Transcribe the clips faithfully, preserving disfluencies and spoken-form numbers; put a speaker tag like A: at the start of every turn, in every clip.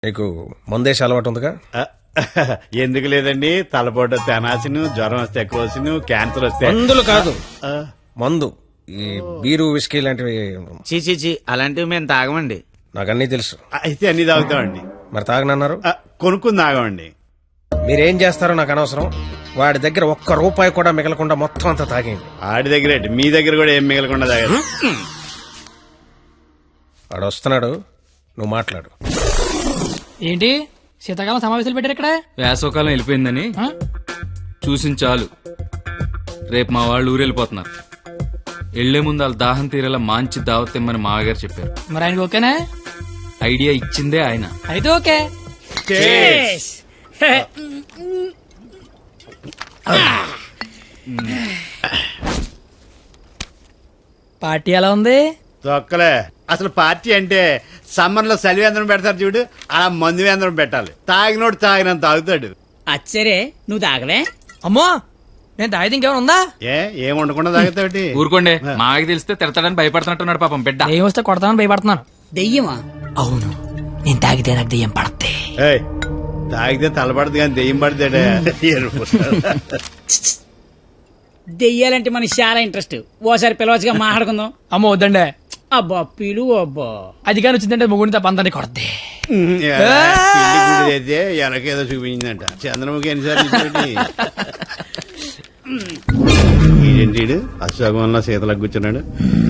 A: నీకు మందేసి అలవాటు ఉందిగా?
B: ఎందుకు లేదండి, తలపోటు తెనాసిను, జ్వరం వస్తే ఎక్కువ, క్యాన్సర్ వస్తే
A: మందులు కాదు, మందు. ఈ బీరు విస్కీ లాంటివి
C: చీ చీ అలాంటివి మేము తాగమండి.
A: నాకు అన్నీ తెలుసు.
B: అయితే అన్ని తాగుతామండి.
A: మరి తాగనన్నారు?
B: కొనుక్కుని తాగమండి.
A: మీరేం చేస్తారో నాకు అనవసరం. వాడి దగ్గర ఒక్క రూపాయి కూడా మిగలకుండా మొత్తం అంతా తాగేయండి.
B: ఆడి దగ్గర మీ దగ్గర కూడా ఏం మిగలకుండా తాగారు.
A: వాడు వస్తున్నాడు, నువ్వు మాట్లాడు.
D: ఏంటి శీతాకాలం సమావేశాలు పెట్టారు ఇక్కడ?
E: వేసవకాలం వెళ్ళిపోయిందని చూసిన చాలు. రేపు మా వాళ్ళు ఊరు వెళ్ళిపోతున్నారు. వెళ్లే ముందు వాళ్ళ దాహం తీరేలా మంచి దావత్ ఇమ్మని మామగారు చెప్పారు.
D: మరి ఆయనకి ఓకేనా?
E: ఐడియా ఇచ్చిందే ఆయన.
D: అయితే ఓకే. పార్టీ ఎలా ఉంది?
B: తొక్కలే. అసలు పార్టీ అంటే సమ్మర్ లో సలివేంద్రం పెడతారు చూడు, అలా మందు వేంద్రం పెట్టాలి. తాగినోడు తాగినంత తాగుతాడు.
F: అచ్చరే నువ్వు తాగవే?
D: అమ్మో, నేను తాగితే ఇంకేమైనా ఉందా?
B: ఏ ఏం ఉండకుండా తాగుతావుటి?
E: ఊరుకోండి, మాకి తెలిస్తే తిడతాడని భయపడుతున్నట్టున్నాడు పాపం బిడ్డ.
D: ఏం వస్తే కొడతామని భయపడుతున్నాను.
F: దెయ్యమా?
D: అవును, నేను తాగితే నాకు దెయ్యం పడద్ది.
B: ఏయ్, తాగితే తలపడదు కానీ దెయ్యం పడతాడే.
F: దెయ్యాలంటే మనకి చాలా ఇంట్రెస్ట్. ఓసారి పిలవచ్చుగా మాట్లాడుకుందాం.
D: అమ్మో వద్దండే.
F: అబ్బా పిలువు. అబ్బా
D: అది కానీ వచ్చిందంటే ముగ్గురిని తప్ప అందరినీ కొడద్ది.
B: అయితే ఎనకేదో చూపించిందంట. చంద్రముఖి ఎన్నిసార్లు ఏంటి అశోకంలో సీతలకు కూర్చున్నాడు.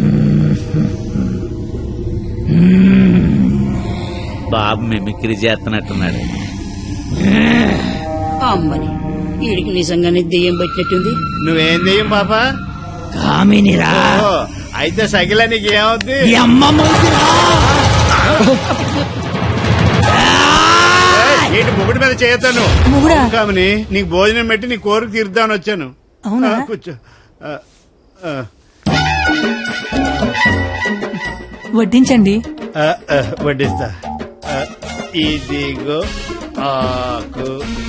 C: బాబు మిమిక్రీ చేస్తున్నట్టున్నాడు.
F: అమ్మని వీడికి నిజంగానే దెయ్యం పట్టినట్టుంది.
B: నువ్వేం దెయ్యం పాప?
F: కామినిరా.
B: అయితే సగిల నీకు ఏమవుద్ది? ఏంటి ముగుడి మీద చేయతాను కామని? నీకు భోజనం పెట్టి నీ కోరిక తీర్దామని వచ్చాను.
D: అవునా?
B: కూర్చో.
D: వడ్డించండి.
B: వడ్డిస్తా. ఇదిగో ఆకు.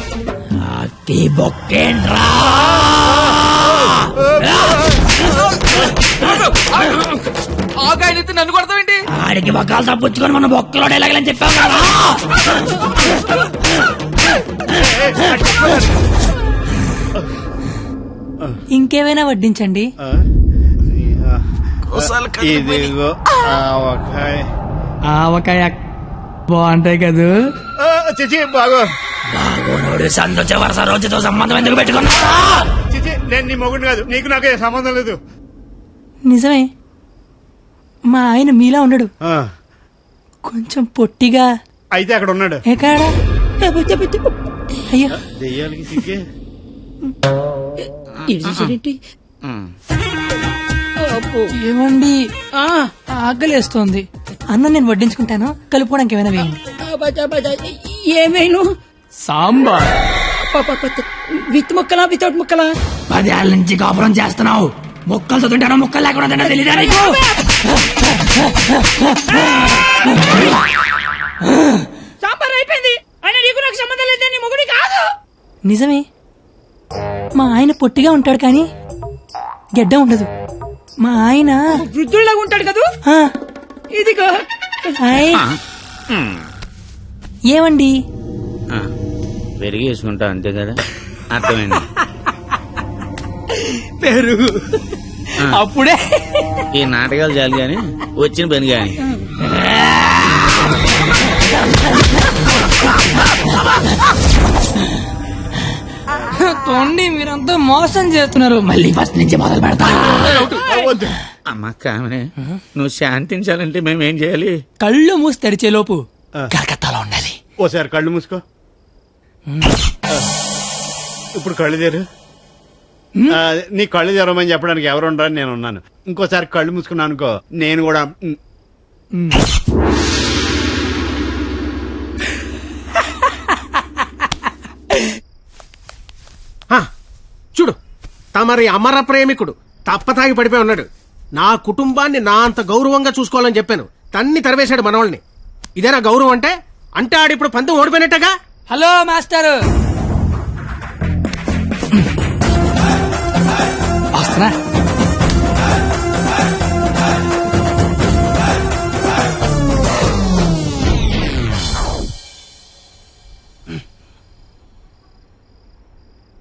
E: ఆకాయనైతే నన్ను కొడతావేంటి?
F: ఆడికి బొక్కలు తప్పించుకొని మన బొక్కలో ఎలాగలని చెప్పావు కదా.
D: ఇంకేమైనా వడ్డించండి.
B: ఇదిగో ఆవకాయ.
D: ఆవకాయ బాగుంటాయి కదా.
B: చిచి బాగో.
F: సంతోష వరుస రోజుతో సంబంధం ఎందుకు పెట్టుకున్నా?
B: చిచి నేను నీ మొగుడు కాదు, నీకు నాకు ఏ సంబంధం లేదు.
D: నిజమే, మా ఆయన మీలా ఉండడు, కొంచెం పొట్టిగా.
B: అయితే అక్కడ ఉన్నాడు.
D: ఎక్కడా? అయ్యో
B: దెయ్యాలకి సిగ్గే.
D: ఏమండి, ఆకలేస్తోంది. అన్నం నేను వడ్డించుకుంటాను, కలుపుకోవడానికి ఏమైనా వేయండి.
F: ఏమైనా
D: సాంబార్
F: విత్ ముక్కలా వితౌట్ ముక్కలా?
D: పదేళ్ళ నుంచి కాపురం చేస్తున్నావు, ముక్కలు చదువుంటానో ముక్కలు లేకుండా తెలియదా నీకు?
F: సాంబార్ అయిపోయింది. ఆయన నీకు నాకు సంబంధం లేదు, నీ మొగుడి కాదు.
D: నిజమే, మా ఆయన పొట్టిగా ఉంటాడు కానీ గెడ్డ ఉండదు. మా ఆయన
F: వృద్ధుల్లాగా ఉంటాడు కదా. ఇదిగో
D: ఏమండి,
C: పెరిగి వేసుకుంటా అంతే కదా. అర్థమైంది.
D: పెరుగు అప్పుడే.
C: ఈ నాటకాలు చాలు గాని వచ్చిన పని గాని.
D: తోండి, మీరంతా మోసం చేస్తున్నారు. మళ్ళీ ఫస్ట్ నుంచి మొదలు పెడతా.
C: అమ్మ కామనే, నువ్వు శాంతించాలంటే మేమేం చేయాలి?
D: కళ్ళు మూసి తెరిచే లోపు కలకత్తాలో ఉండాలి.
B: ఓసారి కళ్ళు మూసుకో. ఇప్పుడు కళ్ళు తెరు. నీ కళ్ళు తెరవమని చెప్పడానికి ఎవరు ఉండరని నేను ఉన్నాను. ఇంకోసారి కళ్ళు మూసుకున్నాను అనుకో, నేను కూడా.
A: చూడు, తమరి అమర ప్రేమికుడు తప్పతాగి పడిపోయి ఉన్నాడు. నా కుటుంబాన్ని నా అంత గౌరవంగా చూసుకోవాలని చెప్పాను, తన్ని తరివేశాడు మనవాళ్ళని. ఇదేనా గౌరవం అంటే? అంటే ఆడిప్పుడు పంతం ఓడిపోయినట్టగా.
D: హలో మాస్టర్, వస్తున్నా.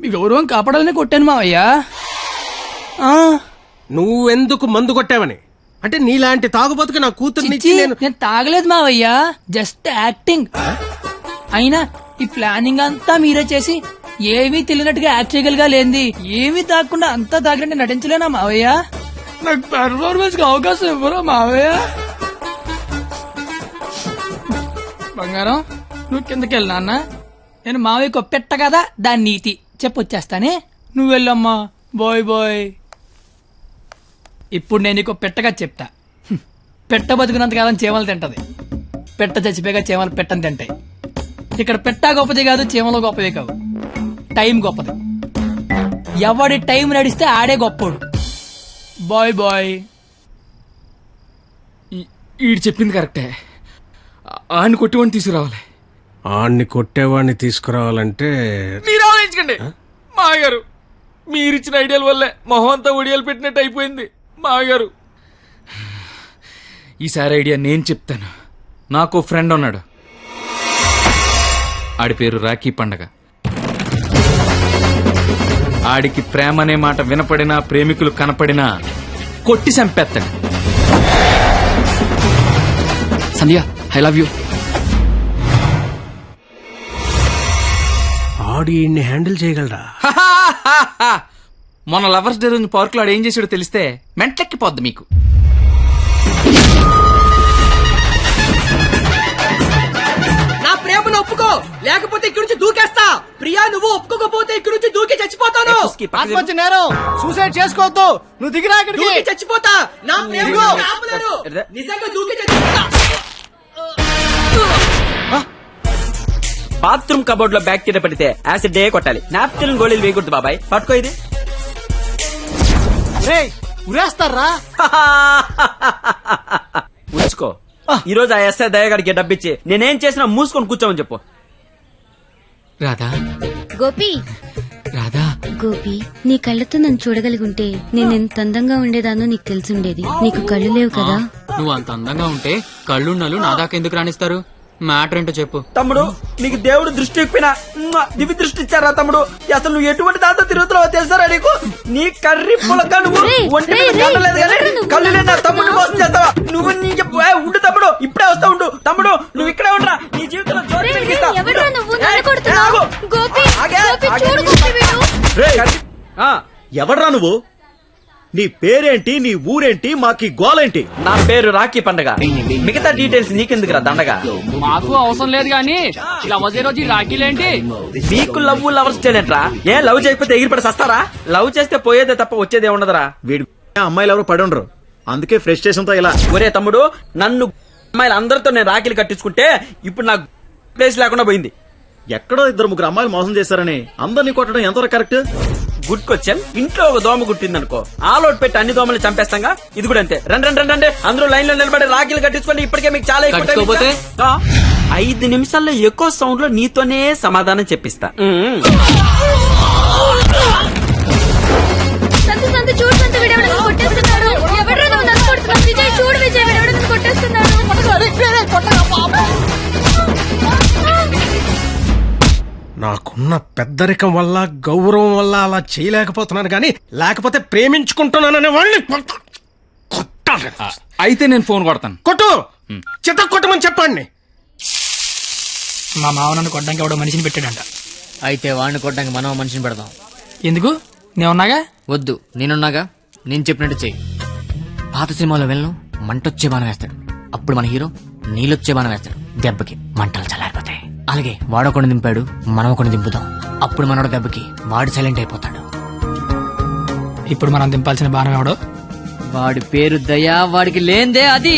D: మీ గౌరవం కాపాడాలని కొట్టాను మావయ్య. ఆ,
A: నువ్వెందుకు మందు కొట్టావని అంటే నీలాంటి తాగుబోతుకి నా కూతుర్ని
D: చిచ్చి, నేను తాగలేదు మావయ్య, జస్ట్ యాక్టింగ్. అయినా ఈ ప్లానింగ్ అంతా మీరే చేసి ఏమీ తెలియనట్టుగా యాక్ట్ చేయగలిగా లేంది. ఏమీ తాగకుండా అంతా తాగినట్టు నటించలేనా మావయ్య? నాకు పెర్ఫార్మెన్స్ కి అవకాశం ఇవ్వరా మావయ్య? బంగారం, నువ్వు కిందకి వెళ్ళి నాన్న, నేను మావయ్యకు పెట్ట కదా దాని నీతి చెప్పొచ్చేస్తానే. నువ్వు వెళ్ళమ్మా, బాయ్ బాయ్. ఇప్పుడు నేను నీకు పెట్టగా చెప్తా. హ్మ్. పెట్ట బతుకున్నంతకాలం చీమలు తింటది, పెట్ట చచ్చిపోయాక చీమలు పెట్టని తింటాయి. ఇక్కడ పెట్ట గొప్పది కాదు, చీమలు గొప్పది కావు, టైం గొప్పది. ఎవడి టైం నడిస్తే ఆడే గొప్పోడు. Bye bye.
E: ఈడు చెప్పింది కరెక్టే. ఆయన కొట్టివాడిని తీసుకురావాలి.
A: ఆణ్ణి కొట్టేవాడిని తీసుకురావాలంటే
E: మీరు ఆలోచించండి మాగారు. మీరిచ్చిన ఐడియాల వల్లే మొహం అంతా ఒడియాలు పెట్టినట్టు అయిపోయింది మాగారు. ఈసారి ఐడియా నేను చెప్తాను. నాకు ఫ్రెండ్ ఉన్నాడు, ఆడి పేరు రాఖీ పండగ. ఆడికి ప్రేమ అనే మాట వినపడినా, ప్రేమికులు కనపడినా కొట్టి చంపేస్తాడు.
G: Sandhya, I love you.
A: ఆడి ఈయన్ని హ్యాండిల్ చేయగలరా?
E: మొన్న లవర్స్ డే రోజు పార్క్ లో ఆడు ఏం చేసాడో తెలిస్తే మెంట్లెక్కిపోద్ది మీకు.
H: నా ప్రేమను ఒప్పుకో, లేకపోతే ఇక్కడి నుంచి దూకేస్తా. ప్రియా, నువ్వు ఒప్పుకోకపోతే ఇక్కడి నుంచి దూకి చచ్చిపోతాను.
B: ఆత్మహత్య నేరం, సూసైడ్ చేసుకోవద్దు. నువ్వు దిగిరా ఇక్కడికి.
H: దూకి చచ్చిపోతా. నా ప్రేమను ఆపలేరు. నిజంగా దూకి చచ్చిపోతా.
G: బాత్రూమ్ కబోర్డ్ లో బ్యాక్టీరియా పడితే యాసిడ్ డే కొట్టాలి, నాప్కిన్ గోళీలు వేయకూడదు బాబాయ్. పట్టుకో ఇది.
B: రేయ్, ఉరేస్తారా?
G: ఉంచుకో. ఈ రోజు ఆ ఎస్ఐ దయగాడికి డబ్బిచ్చి నేనేం చేసినా మూసుకొని కూర్చోమని చెప్పు.
E: రాధా,
I: గోపి,
E: రాధా,
I: గోపి, నీ కళ్ళతో నన్ను చూడగలిగుంటే నేను ఎంత అందంగా ఉండేదానో నీకు తెలిసుండేది. నీకు కళ్ళు లేవు కదా.
J: నువ్వు అంత అందంగా ఉంటే కళ్ళున్నాలు నా దాకా ఎందుకు రాణిస్తారు? మ్యాటర్ ఏంటో చెప్పు.
G: తమ్ముడు, నీకు దేవుడు దృష్టి ఎక్కిపోయినా దివి దృష్టి ఇచ్చారా తమ్ముడు? అసలు నువ్వు ఎటువంటి దాంతో తిరుగుతున్నావో తెలుసారా నీకు? నీ కర్రీ పులక నువ్వు
I: రేయ్,
G: ఒంటి మీద
I: రేయ్,
G: కళ్ళలేదు
I: రేయ్,
G: కానీ
I: ఎవరు నువ్వు?
G: కళ్ళు లేని నా తమ్ముడిని మోసం చేస్తావా నువ్వు? నీ చెప్పు. ఏయ్, ఉండు తమ్ముడు, ఇప్పుడే వస్తా ఉండు. తమ్ముడు, నువ్వు ఇక్కడే ఉండరా, నీ జీవితంలో జ్యోతి
I: రేయ్,
G: వెలిగిస్తా.
I: రేయ్, ఎవడ్రా
G: ఉండు.
I: నువ్వు?
G: ఏయ్,
I: నన్ను కొడుతున్నావు?
G: ఆగు.
I: గోపి,
G: ఆగే,
I: గోపి,
G: ఆగే.
I: చూడు గోపి వీడు.
G: ఆ,
K: ఎవడ్రా నువ్వు? నీ పేరేంటి, నీ ఊరేంటి, మాకి గోలేంటి?
G: నా పేరు రాఖీ పండగ. మిగతా డీటెయిల్స్ నీకెందుకురా దండగా?
J: మాకు అవసరం లేదు గానీ లవ్ రోజు ఈ రాఖీలేంటి?
G: మీకు లవ్ లవర్స్ చేయలేంట్రా? ఏ లవ్ చేయకపోతే ఎగిరిపడి సస్తారా? లవ్ చేస్తే పోయేదే తప్ప వచ్చేదే ఉండదురా.
K: వీడి అమ్మాయిలు ఎవరు పడి ఉండరు, అందుకే ఫ్రస్ట్రేషన్ తో ఇలా.
G: ఒరే తమ్ముడు, నన్ను అమ్మాయిలు అందరితో నేను రాఖీలు కట్టించుకుంటే ఇప్పుడు నాకు ప్లేస్ లేకుండా పోయింది.
K: ఎక్కడో ఇద్దరు ముగ్గురు అమ్మాయిలు మోసం చేశారని అందరినీ కొట్టడం ఎంతవరకు కరెక్ట్?
G: Good question. ఇంట్లో ఒక దోమ గుట్టిందనుకో, ఆలోట్ పెట్టి అన్ని దోమలు చంపేస్తాగా. ఇది కూడా అంతే. రండి రండి రండి రండి, అందరూ లైన్ లో నిలబడి రాఖీలు కట్టించుకోండి. ఇప్పటికే మీకు చాలా ఎక్కువ టైం
J: కట్టుకోపోతే?
G: ఇచ్చా. ఆ, ఐదు నిమిషాల్లో ఎక్కువ సౌండ్ లో నీతోనే సమాధానం చెప్పిస్తా. మ్మ్.
I: సంతు, సంతు, చూడు సంతు, వీడెవడో నన్ను కొట్టేస్తున్నాడు. ఎవడ్రా నువ్వు నన్ను కొడుతున్నావు? విజయ్, చూడు విజయ్, వీడెవడో నన్ను కొట్టేస్తున్నాడు.
A: నాకున్న పెద్దరికం వల్ల గౌరవం వల్ల అలా చేయలేకపోతున్నాను కానీ లేకపోతే ప్రేమించుకుంటున్నాననే వాళ్ళని కొట్టాలి.
E: అయితే నేను ఫోన్ కొడతాను.
A: కొట్టు, చిత్త కొట్టమని చెప్పండి.
D: మా మావ నన్ను కొట్టడానికి ఎవడో మనిషిని పెట్టాడంట.
J: అయితే వాడిని కొట్టడానికి మనం మనిషిని పెడదాం.
D: ఎందుకు? నేనున్నాగా.
J: వద్దు, నేనున్నాగా. నేను చెప్పినట్టు చెయ్యి. పాత సినిమాలో వెళ్ళను మంటొచ్చే బాణం వేస్తాడు, అప్పుడు మన హీరో నీళ్ళొచ్చే బాణం వేస్తాడు. దెబ్బకి మంటలు చల్లారిపోతాయి. అలాగే వాడొకడిని దింపాడు, మనం ఒకడిని దింపుదాం. అప్పుడు మనోడు దెబ్బకి వాడు సైలెంట్ అయిపోతాడు.
D: ఇప్పుడు మనం దింపాల్సిన బాణం ఎవడో?
J: వాడి పేరు దయా, వాడికి లేందే అది.